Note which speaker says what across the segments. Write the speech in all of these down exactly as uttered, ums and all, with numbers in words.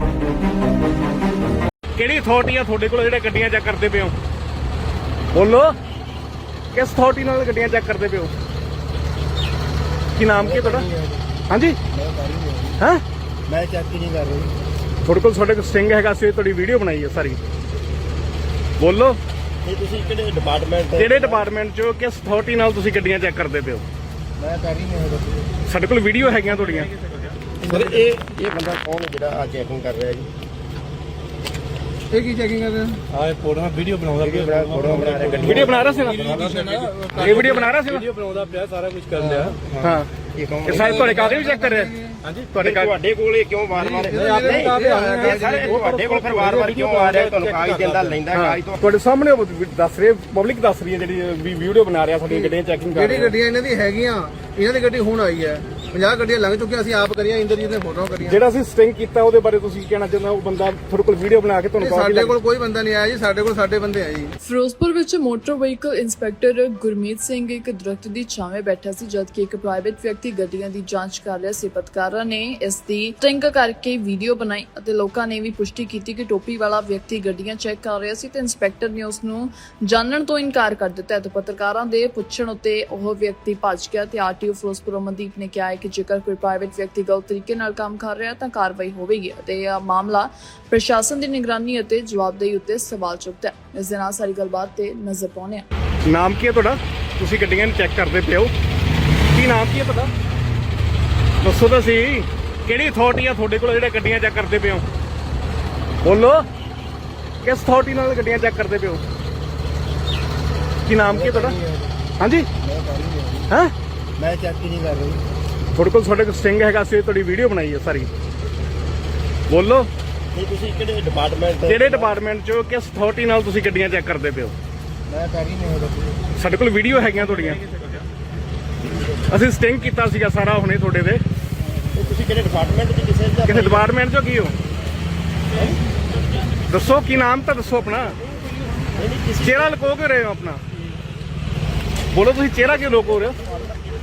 Speaker 1: ਕਿਹੜੀ ਅਥਾਰਟੀ ਆ ਤੁਹਾਡੇ ਕੋਲ ਜਿਹੜੇ ਗੱਡੀਆਂ ਚੈੱਕ ਕਰਦੇ ਪਏ ਹੋ? ਬੋਲੋ, ਕਿਸ ਅਥਾਰਟੀ ਨਾਲ ਗੱਡੀਆਂ ਚੈੱਕ ਕਰਦੇ ਪਏ ਹੋ? ਕੀ ਨਾਮ ਕੀ ਤੁਹਾਡਾ? ਹਾਂਜੀ ਹਾਂ,
Speaker 2: ਮੈਂ ਚੈੱਕ ਹੀ ਨਹੀਂ ਕਰ ਰਹੀ।
Speaker 1: ਤੁਹਾਡੇ ਕੋਲ ਤੁਹਾਡੇ ਕੋਲ ਸਟਿੰਗ ਹੈਗਾ ਸੀ, ਤੁਹਾਡੀ ਵੀਡੀਓ ਬਣਾਈ ਹੈ ਸਾਰੀ। ਬੋਲੋ,
Speaker 2: ਇਹ ਤੁਸੀਂ ਕਿਹੜੇ ਡਿਪਾਰਟਮੈਂਟ?
Speaker 1: ਕਿਹੜੇ ਡਿਪਾਰਟਮੈਂਟ ਚੋਂ, ਕਿਸ ਅਥਾਰਟੀ ਨਾਲ ਤੁਸੀਂ ਗੱਡੀਆਂ ਚੈੱਕ ਕਰਦੇ ਪਏ ਹੋ?
Speaker 2: ਮੈਂ ਕਰ ਹੀ ਨਹੀਂ ਰਿਹਾ।
Speaker 1: ਸਾਡੇ ਕੋਲ ਵੀਡੀਓ ਹੈਗੀਆਂ ਤੁਹਾਡੀਆਂ।
Speaker 2: ਸਰ ਇਹ ਇਹ ਬੰਦਾ ਕੌਣ ਹੈ ਜਿਹੜਾ ਆ ਚੈਕਿੰਗ ਕਰ ਰਿਹਾ ਜੀ? ਇਹ ਕੀ ਚੈਕਿੰਗ ਕਰ ਰਿਹਾ?
Speaker 3: ਆਹ ਫੋਟੋ ਵੀਡੀਓ ਬਣਾਉਂਦਾ ਪਿਆ,
Speaker 2: ਫੋਟੋ ਬਣਾ ਰਿਹਾ ਗੱਡੀ।
Speaker 1: ਵੀਡੀਓ ਬਣਾ ਰਿਹਾ ਸੀ ਨਾ, ਇਹ ਵੀਡੀਓ ਬਣਾ ਰਿਹਾ ਸੀ ਨਾ।
Speaker 3: ਵੀਡੀਓ ਬਣਾਉਂਦਾ ਪਿਆ, ਸਾਰਾ ਕੁਝ ਕਰ ਲਿਆ।
Speaker 1: ਹਾਂ,
Speaker 2: ਇਹ ਕੌਣ?
Speaker 1: ਇਹ ਸਾਰੇ ਤੁਹਾਡੇ ਕਾਗਜ਼ ਵੀ ਚੈੱਕ ਕਰ ਰਿਹਾ।
Speaker 3: ਹਾਂਜੀ,
Speaker 1: ਤੁਹਾਡੇ ਕਾਗਜ਼
Speaker 2: ਤੁਹਾਡੇ ਕੋਲ ਇਹ ਕਿਉਂ ਵਾਰ-ਵਾਰ? ਇਹ ਸਾਰੇ ਤੁਹਾਡੇ ਕੋਲ ਫਿਰ ਵਾਰ-ਵਾਰ ਕਿਉਂ ਆ ਰਿਹਾ? ਤੁਹਾਨੂੰ ਕਾਗਜ਼ ਦਿੰਦਾ ਲੈਂਦਾ ਕਾਗਜ਼ ਤੋਂ।
Speaker 1: ਤੁਹਾਡੇ ਸਾਹਮਣੇ ਉਹ ਦੱਸ ਰਹੇ, ਪਬਲਿਕ ਦੱਸ ਰਹੀ ਹੈ ਜਿਹੜੀ ਵੀ ਵੀਡੀਓ ਬਣਾ ਰਿਹਾ ਸਾਡੀਆਂ ਗੱਡੀਆਂ ਚੈਕਿੰਗ ਕਰ
Speaker 4: ਜਿਹੜੀ ਗੱਡੀਆਂ ਇਹਨਾਂ ਦੀ ਹੈਗੀਆਂ, ਇਹਨਾਂ ਦੀ ਗੱਡੀ ਹੁਣ ਆਈ ਹੈ। ਪੰਜਾਹ ਗੱਡੀਆਂ ਲੰਘ ਚੁੱਕੀਆਂ, ਅਸੀਂ ਆਪ ਕਰੀਆਂ, ਇੰਦਰਜੀਤ ਨੇ ਫੋਟੋ ਕਰੀਆਂ।
Speaker 1: ਜਿਹੜਾ ਅਸੀਂ ਸਟਿੰਗ ਕੀਤਾ ਉਹਦੇ ਬਾਰੇ ਤੁਸੀਂ ਕੀ ਕਹਿਣਾ ਚਾਹੁੰਦੇ ਹੋ? ਉਹ ਬੰਦਾ ਤੁਹਾਡੇ ਕੋਲ ਵੀਡੀਓ ਬਣਾ ਕੇ ਤੁਹਾਨੂੰ
Speaker 4: ਸਾਡੇ ਕੋਲ ਕੋਈ ਬੰਦਾ ਨਹੀਂ ਆਇਆ ਜੀ, ਸਾਡੇ ਕੋਲ ਸਾਡੇ ਬੰਦੇ ਆ ਜੀ।
Speaker 5: ਫਿਰੋਜ਼ਪੁਰ ਵਿੱਚ motor vehicle inspector Gurmeet Singh ਇੱਕ ਦਰਖਤ ਦੀ ਛਾਵੇਂ ਬੈਠਾ ਸੀ ਜਦਕਿ ਇੱਕ ਪ੍ਰਾਈਵੇਟ ਵਿਅਕਤੀ ਗੱਡੀਆਂ ਦੀ ਜਾਂਚ ਕਰ ਰਿਹਾ ਸੀ। ਪੱਤਰਕਾਰਾਂ ਨੇ ਇਸ ਦੀ ਸਟਿੰਗ ਕਰਕੇ ਵੀਡੀਓ ਬਣਾਈ ਅਤੇ ਲੋਕਾਂ ਨੇ ਵੀ ਪੁਸ਼ਟੀ ਕੀਤੀ ਕਿ ਟੋਪੀ ਵਾਲਾ ਵਿਅਕਤੀ ਗੱਡੀਆਂ ਚੈੱਕ ਕਰ ਰਿਹਾ ਸੀ ਤੇ ਇੰਸਪੈਕਟਰ ਨੇ ਉਸ ਨੂੰ ਜਾਣਨ ਤੋਂ ਇਨਕਾਰ ਕਰ ਦਿੱਤਾ ਤੇ ਪੱਤਰਕਾਰਾਂ ਦੇ ਪੁੱਛਣ ਉੱਤੇ ਉਹ ਵਿਅਕਤੀ ਭੱਜ ਗਿਆ ਤੇ ਆਰਟੀਓ ਫਿਰੋਜ਼ਪੁਰ ਅਮਨਦੀਪ ਨੇ ਕਿਹਾ ਹੈ ਕਿ ਜੇਕਰ ਕੋਈ ਪ੍ਰਾਈਵੇਟ ਵਿਅਕਤੀ ਗਲਤ ਤਰੀਕੇ ਨਾਲ ਕੰਮ ਕਰ ਰਿਹਾ ਤਾਂ ਕਾਰਵਾਈ ਹੋਵੇਗੀ ਅਤੇ ਇਹ ਮਾਮਲਾ ਪ੍ਰਸ਼ਾਸਨ ਦੀ ਨਿਗਰਾਨੀ ਅਤੇ ਜਵਾਬਦੇਹੀ ਉੱਤੇ ਸਵਾਲ ਚੁੱਕਦਾ ਹੈ। ਇਸ ਦੇ ਨਾਲ ਸਾਰੀ ਗੱਲਬਾਤ ਤੇ ਨਜ਼ਰ ਪਾਉਂਦੇ ਹਾਂ।
Speaker 1: ਨਾਮ ਕੀ ਹੈ ਤੁਹਾਡਾ? ਤੁਸੀਂ ਗੱਡੀਆਂ ਨੂੰ ਚੈੱਕ ਕਰਦੇ ਪਏ ਹੋ, ਕੀ ਨਾਮ ਕੀ ਹੈ ਤੁਹਾਡਾ? ਦੱਸੋ ਤਾਂ ਸਹੀ, ਕਿਹੜੀ ਅਥਾਰਟੀ ਆ ਤੁਹਾਡੇ ਕੋਲ ਜਿਹੜੇ ਗੱਡੀਆਂ ਚੈੱਕ ਕਰਦੇ ਪਏ ਹੋ? ਬੋਲੋ, ਕਿਸ ਅਥਾਰਟੀ ਨਾਲ ਗੱਡੀਆਂ ਚੈੱਕ ਕਰਦੇ ਪਏ ਹੋ? ਕੀ ਨਾਮ ਕੀ ਹੈ ਤੁਹਾਡਾ? ਹਾਂਜੀ ਹਾਂ,
Speaker 2: ਮੈਂ ਚੈੱਕ ਹੀ ਨਹੀਂ ਕਰ ਰਹੀ।
Speaker 1: ਤੁਹਾਡੇ ਕੋਲ ਤੁਹਾਡੇ ਕੋਲ ਸਟਿੰਗ ਹੈਗਾ ਸੀ, ਤੁਹਾਡੀ ਵੀਡੀਓ ਬਣਾਈ ਹੈ ਸਾਰੀ। ਬੋਲੋ,
Speaker 2: ਇਹ ਤੁਸੀਂ ਕਿਹੜੇ ਡਿਪਾਰਟਮੈਂਟ?
Speaker 1: ਕਿਹੜੇ ਡਿਪਾਰਟਮੈਂਟ ਚੋਂ, ਕਿਸ ਅਥਾਰਟੀ ਨਾਲ ਤੁਸੀਂ ਗੱਡੀਆਂ ਚੈੱਕ ਕਰਦੇ ਪਏ ਹੋ?
Speaker 2: ਮੈਂ ਕਰ ਹੀ ਨਹੀਂ ਰਿਹਾ।
Speaker 1: ਸਾਡੇ ਕੋਲ ਵੀਡੀਓ ਹੈਗੀਆਂ ਤੁਹਾਡੀਆਂ। ਅਸੀਂ ਸਟਿੰਗ ਕੀਤਾ ਸੀਗਾ ਸਾਰਾ ਹੁਣੇ ਤੁਹਾਡੇ ਤੇ।
Speaker 2: ਇਹ ਤੁਸੀਂ ਕਿਹੜੇ ਡਿਪਾਰਟਮੈਂਟ ਦੇ? ਕਿਸੇ ਦਾ?
Speaker 1: ਕਿਸੇ ਡਿਪਾਰਟਮੈਂਟ ਚੋਂ ਕੀ ਹੋ? ਦੱਸੋ, ਕੀ ਨਾਮ ਤਾਂ ਦੱਸੋ ਆਪਣਾ।
Speaker 2: ਨਹੀਂ ਨਹੀਂ ਕਿਸੇ
Speaker 1: ਚਿਹਰਾ ਲੁਕੋ ਕੇ ਰਹੇ ਹੋ ਆਪਣਾ? ਬੋਲੋ, ਤੁਸੀਂ ਚਿਹਰਾ ਕਿਉਂ ਲੁਕੋ ਰਹੇ ਹੋ?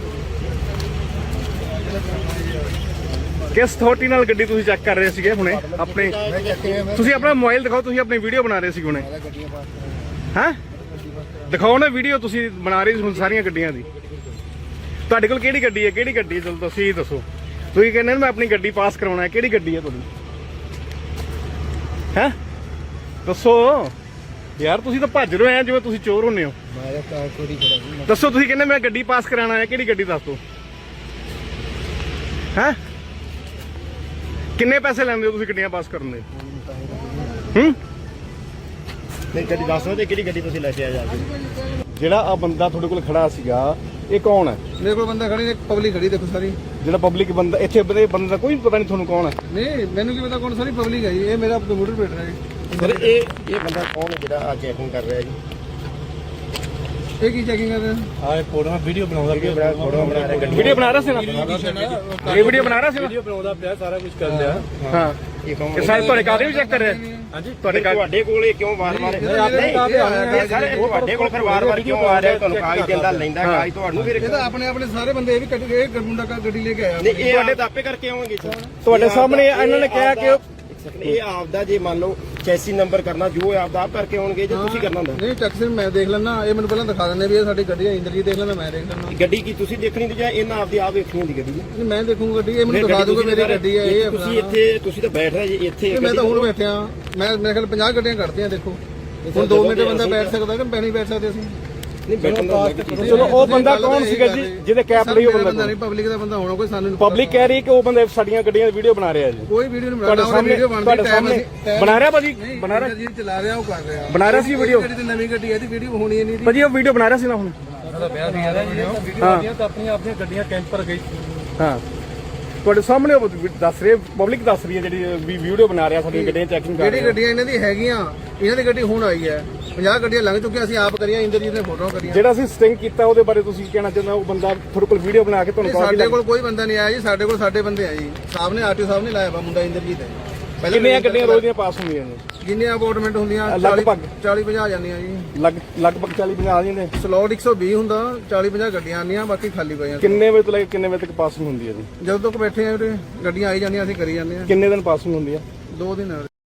Speaker 1: ਕਿਸ ਅਥਾਰਟੀ ਨਾਲ ਗੱਡੀ ਤੁਸੀਂ ਚੈੱਕ ਕਰ ਰਹੇ ਸੀਗੇ ਹੁਣੇ ਆਪਣੇ? ਤੁਸੀਂ ਆਪਣਾ ਮੋਬਾਈਲ ਦਿਖਾਓ, ਤੁਸੀਂ ਆਪਣੀ ਵੀਡੀਓ ਬਣਾ ਰਹੇ ਸੀ ਹੁਣੇ। ਹਾਂ, ਦਿਖਾਓ ਨਾ ਵੀਡੀਓ, ਤੁਸੀਂ ਬਣਾ ਰਹੇ ਸੀ ਹੁਣ ਸਾਰੀਆਂ ਗੱਡੀਆਂ ਦੀ। ਤੁਹਾਡੇ ਕੋਲ ਕਿਹੜੀ ਗੱਡੀ ਹੈ? ਕਿਹੜੀ ਗੱਡੀ ਹੈ? ਚਲੋ ਤੁਸੀਂ ਦੱਸੋ। ਤੁਸੀਂ ਕਹਿੰਦੇ ਮੈਂ ਆਪਣੀ ਗੱਡੀ ਪਾਸ ਕਰਾਉਣਾ ਹੈ, ਕਿਹੜੀ ਗੱਡੀ ਹੈ ਤੁਹਾਡੀ? ਹੈ ਦੱਸੋ ਯਾਰ, ਤੁਸੀਂ ਤਾਂ ਭੱਜ ਰਹੇ ਹੋ ਜਿਵੇਂ ਤੁਸੀਂ ਚੋਰ ਹੁੰਦੇ ਹੋ।
Speaker 2: ਮੈਂ ਕਾਰ ਕੋਰੀ ਖੜਾ ਸੀ।
Speaker 1: ਦੱਸੋ, ਤੁਸੀਂ ਕਹਿੰਦੇ ਮੈਂ ਗੱਡੀ ਪਾਸ ਕਰਾਉਣਾ ਹੈ, ਕਿਹੜੀ ਗੱਡੀ ਦੱਸ ਦਿਓ। ਹੈ ਕਿੰਨੇ ਪੈਸੇ ਲੈਂਦੇ ਹੋ ਤੁਸੀਂ ਗੱਡੀਆਂ ਪਾਸ ਕਰਨ ਦੇ? ਹੂੰ,
Speaker 2: ਨਹੀਂ ਗੱਡੀ ਦੱਸ ਦਿਓ ਤੇ ਕਿਹੜੀ ਗੱਡੀ ਤੁਸੀਂ ਲੈ ਕੇ ਆਏ ਜਾ ਕੇ?
Speaker 1: ਜਿਹੜਾ ਆ ਬੰਦਾ ਤੁਹਾਡੇ ਕੋਲ ਖੜਾ ਸੀਗਾ, ਇਹ ਕੌਣ ਹੈ?
Speaker 4: ਮੇਰੇ ਕੋਲ ਬੰਦਾ ਖੜੀ ਨੇ, ਪਬਲਿਕ ਖੜੀ ਦੇਖੋ ਸਾਰੀ।
Speaker 1: ਜਿਹੜਾ ਪਬਲਿਕ ਬੰਦਾ ਇੱਥੇ ਬੰਦੇ ਬੰਦੇ ਦਾ ਕੋਈ ਪਤਾ ਨਹੀਂ ਤੁਹਾਨੂੰ ਕੌਣ ਹੈ?
Speaker 4: ਨਹੀਂ, ਮੈਨੂੰ ਕੀ ਪਤਾ ਕੌਣ, ਸਾਰੀ ਪਬਲਿਕ ਹੈ ਜੀ। ਇਹ ਮੇਰਾ ਕੰਪਿਊਟਰ ਪੇਟ ਰਿਹਾ ਜੀ।
Speaker 2: ਸਰ ਇਹ ਇਹ ਬੰਦਾ ਕੌਣ ਹੈ ਜਿਹੜਾ ਆ ਚੈਕਿੰਗ ਕਰ ਰਿਹਾ ਜੀ? ਇਹ ਕੀ ਚੈਕਿੰਗ ਕਰ ਰਿਹਾ?
Speaker 3: ਆਹ ਫੋਟੋ ਵੀਡੀਓ ਬਣਾਉਂਦਾ ਪਿਆ,
Speaker 2: ਫੋਟੋ ਬਣਾ ਰਿਹਾ ਗੱਡੀ।
Speaker 1: ਵੀਡੀਓ ਬਣਾ ਰਿਹਾ ਸੀ ਨਾ, ਇਹ ਵੀਡੀਓ ਬਣਾ ਰਿਹਾ ਸੀ ਨਾ।
Speaker 3: ਵੀਡੀਓ ਬਣਾਉਂਦਾ ਪਿਆ, ਸਾਰਾ ਕੁਝ ਕਰ ਲਿਆ।
Speaker 1: ਹਾਂ,
Speaker 2: ਇਹ ਕੌਣ?
Speaker 1: ਇਹ ਸਾਰੇ ਤੁਹਾਡੇ ਕਾਗਜ਼ ਵੀ ਚੈੱਕ ਕਰ ਰਿਹਾ।
Speaker 3: ਹਾਂਜੀ,
Speaker 1: ਤੁਹਾਡੇ ਕਾਗਜ਼
Speaker 2: ਤੁਹਾਡੇ ਕੋਲ ਇਹ ਕਿਉਂ ਵਾਰ-ਵਾਰ? ਇਹ ਸਾਰੇ ਤੁਹਾਡੇ ਕੋਲ ਫਿਰ ਵਾਰ-ਵਾਰ ਕਿਉਂ ਆ ਰਿਹਾ? ਤੁਹਾਨੂੰ ਕਾਗਜ਼ ਦਿੰਦਾ ਲੈਂਦਾ ਕਾਗਜ਼ ਤੁਹਾਨੂੰ। ਫਿਰ
Speaker 4: ਇਹ ਤਾਂ ਆਪਣੇ ਆਪਣੇ ਸਾਰੇ ਬੰਦੇ ਇਹ ਵੀ ਕੱਢ ਕੇ ਮੁੰਡਾ ਗੱਡੀ ਲੈ ਕੇ ਆਇਆ।
Speaker 2: ਨਹੀਂ, ਇਹ ਤੁਹਾਡੇ ਦਾਪੇ ਕਰਕੇ ਆਉਣਗੇ
Speaker 1: ਤੁਹਾਡੇ ਸਾਹਮਣੇ ਇਹਨਾਂ ਨੇ ਕਿਹਾ ਕਿ
Speaker 2: ਇਹ ਆਪਦਾ ਜੇ ਮੰਨ ਲਓ ਚੈਸੀ ਨੰਬਰ ਕਰਨਾ ਜੋ ਆਪ ਦਾ ਆਪ ਕਰਕੇ ਆਉਣਗੇ ਜੇ ਤੁਸੀਂ ਕਰਨਾ ਹੁੰਦਾ।
Speaker 4: ਨਹੀਂ, ਟੈਕਸੀ ਮੈਂ ਦੇਖ ਲੈਣਾ, ਇਹ ਮੈਨੂੰ ਪਹਿਲਾਂ ਦਿਖਾ ਦਿੰਦੇ ਵੀ ਇਹ ਸਾਡੀ ਗੱਡੀ ਹੈ। ਇੰਦਰਜੀਤ ਦੇਖ ਲੈਣਾ, ਮੈਂ ਦੇਖ ਲੈਣਾ।
Speaker 2: ਗੱਡੀ ਕੀ ਤੁਸੀਂ ਦੇਖਣੀ ਤੇ ਜਾਂ ਇਹਨਾਂ ਆਪਦੀ ਆਪ ਵੇਖਣੀ ਹੁੰਦੀ ਗੱਡੀ?
Speaker 4: ਨਹੀਂ, ਮੈਂ ਦੇਖੂੰਗਾ ਗੱਡੀ, ਇਹ ਮੈਨੂੰ ਦਿਖਾ ਦੂਗਾ ਮੇਰੀ ਗੱਡੀ ਹੈ। ਇਹ
Speaker 2: ਤੁਸੀਂ ਇੱਥੇ ਤੁਸੀਂ ਤਾਂ ਬੈਠ ਰਹੇ ਜੀ ਇੱਥੇ।
Speaker 4: ਮੈਂ ਤਾਂ ਹੁਣ ਬੈਠਿਆ, ਮੈਂ ਮੇਰੇ ਖਿਆਲ ਪੰਜਾਹ ਗੱਡੀਆਂ ਕੱਢਦੀਆਂ ਦੇਖੋ। ਹੁਣ ਦੋ ਮਿੰਟ ਬੰਦਾ ਬੈਠ ਸਕਦਾ ਕਿ ਨਹੀਂ ਬੈਠ ਸਕਦੇ ਅਸੀਂ?
Speaker 2: ਨਹੀਂ ਬੈਠਣ ਦਾ।
Speaker 1: ਚਲੋ, ਉਹ ਬੰਦਾ ਕੌਣ ਸੀਗਾ ਜੀ ਜਿਹਦੇ ਕੈਪ ਲਈ? ਉਹ ਬੰਦਾ
Speaker 4: ਨਹੀਂ, ਪਬਲਿਕ ਦਾ ਬੰਦਾ ਹੋਣਾ ਕੋਈ, ਸਾਨੂੰ
Speaker 1: ਪਬਲਿਕ ਕਹਿ ਰਹੀ ਹੈ ਕਿ ਉਹ ਬੰਦੇ ਸਾਡੀਆਂ ਗੱਡੀਆਂ ਦੀ ਵੀਡੀਓ ਬਣਾ ਰਿਹਾ ਜੀ।
Speaker 4: ਕੋਈ ਵੀਡੀਓ ਨਹੀਂ ਬਣਾ
Speaker 1: ਤੁਹਾਡੇ
Speaker 4: ਰਿਹਾ।
Speaker 1: ਸਾਹਮਣੇ
Speaker 4: ਵੀਡੀਓ ਬਣਦੀ
Speaker 1: ਤੁਹਾਡੇ ਸਾਹਮਣੇ ਬਣਾ ਰਿਹਾ ਭਾਜੀ, ਬਣਾ ਰਿਹਾ
Speaker 4: ਜੀ, ਚਲਾ ਰਿਹਾ, ਉਹ ਕਰ ਰਿਹਾ,
Speaker 1: ਬਣਾ ਰਿਹਾ ਸੀ ਵੀਡੀਓ।
Speaker 4: ਗੱਡੀ ਤੇ ਨਵੀਂ ਗੱਡੀ ਹੈ, ਇਹਦੀ ਵੀਡੀਓ ਹੋਣੀ ਨਹੀਂ ਦੀ।
Speaker 1: ਭਾਜੀ ਉਹ ਵੀਡੀਓ ਬਣਾ ਰਿਹਾ ਸੀ ਨਾ ਹੁਣ।
Speaker 3: ਉਹਦਾ ਵਿਆਹ ਸੀ ਇਹਦਾ ਵੀਡੀਓ ਆਉਂਦੀਆਂ ਤਾਂ ਆਪਣੀਆਂ ਆਪਣੀਆਂ ਗੱਡੀਆਂ ਕੈਂਪ ਪਰ ਗਈ।
Speaker 1: ਹਾਂ, ਤੁਹਾਡੇ ਸਾਹਮਣੇ ਉਹ ਦੱਸ ਰਹੇ, ਪਬਲਿਕ ਦੱਸ ਰਹੀ ਹੈ ਜਿਹੜੀ ਵੀ ਵੀਡੀਓ ਬਣਾ ਰਿਹਾ ਸਾਡੀਆਂ ਗੱਡੀਆਂ ਚੈਕਿੰਗ ਕਰ
Speaker 4: ਜਿਹੜੀ
Speaker 1: ਰਿਹਾ।
Speaker 4: ਗੱਡੀਆਂ ਇਹਨਾਂ ਦੀ ਹੈਗੀਆਂ, ਇਹਨਾਂ ਦੀ ਗੱਡੀ ਹੁਣ ਆਈ ਹੈ। ਪੰਜਾਹ ਗੱਡੀਆਂ ਲੰਘ ਚੁੱਕੀਆਂ, ਅਸੀਂ ਆਪ ਕਰੀਆਂ, ਇੰਦਰਜੀਤ ਨੇ ਫੋਟੋ ਕਰੀਆਂ।
Speaker 1: ਜਿਹੜਾ ਅਸੀਂ ਸਟਿੰਗ ਕੀਤਾ ਉਹਦੇ ਬਾਰੇ ਤੁਸੀਂ ਕੀ ਕਹਿਣਾ ਚਾਹੁੰਦੇ ਹੋ? ਉਹ ਬੰਦਾ ਤੁਹਾਡੇ ਕੋਲ ਵੀਡੀਓ ਬਣਾ ਕੇ ਤੁਹਾਨੂੰ
Speaker 4: ਸਾਡੇ ਕੋਲ ਕੋਈ ਬੰਦਾ ਨਹੀਂ ਆਇਆ ਜੀ, ਸਾਡੇ ਕੋਲ ਸਾਡੇ ਬੰਦੇ ਆ ਜੀ। ਸਾਹਮਣੇ ਆਰਟੀਓ ਸਾਹਿਬ ਨੇ ਲਾਇਆ ਵਾ ਮੁੰਡਾ ਇੰਦਰਜੀਤ ਹੈ।
Speaker 1: ਕਿੰਨੀਆਂ ਗੱਡੀਆਂ ਰੋਜ਼ ਦੀਆਂ ਪਾਸ ਹੁੰਦੀਆਂ ਨੇ?
Speaker 4: ਜਿੰਨੀਆਂ ਅਪਾਰਟਮੈਂਟ ਹੁੰਦੀਆਂ
Speaker 1: ਲਗਭਗ
Speaker 4: ਚਾਲੀ ਪੰਜਾਹ ਜਾਂਦੀਆਂ ਜੀ।
Speaker 1: ਲਗ ਲਗਭਗ ਚਾਲੀ ਪੰਜਾਹ ਆ ਜਾਂਦੇ।
Speaker 4: ਸਲੋਟ ਇੱਕ ਸੌ ਵੀਹ ਹੁੰਦਾ, ਚਾਲੀ ਪੰਜਾਹ ਗੱਡੀਆਂ ਆਉਂਦੀਆਂ, ਬਾਕੀ ਖਾਲੀ ਪਈਆਂ।
Speaker 1: ਕਿੰਨੇ ਵਜੇ ਤੋਂ ਲੈ ਕੇ ਕਿੰਨੇ ਵਜੇ ਤੱਕ ਪਾਸਿੰਗ ਹੁੰਦੀ ਹੈ ਜੀ?
Speaker 4: ਜਦੋਂ ਤੱਕ ਬੈਠੇ ਆ ਉਰੇ ਗੱਡੀਆਂ ਆਈ ਜਾਂਦੀਆਂ, ਅਸੀਂ ਕਰੀ ਜਾਂਦੇ ਆ।
Speaker 1: ਕਿੰਨੇ ਦਿਨ ਪਾਸਿੰਗ ਹੁੰਦੀ ਹੈ?
Speaker 4: ਦੋ ਦਿਨ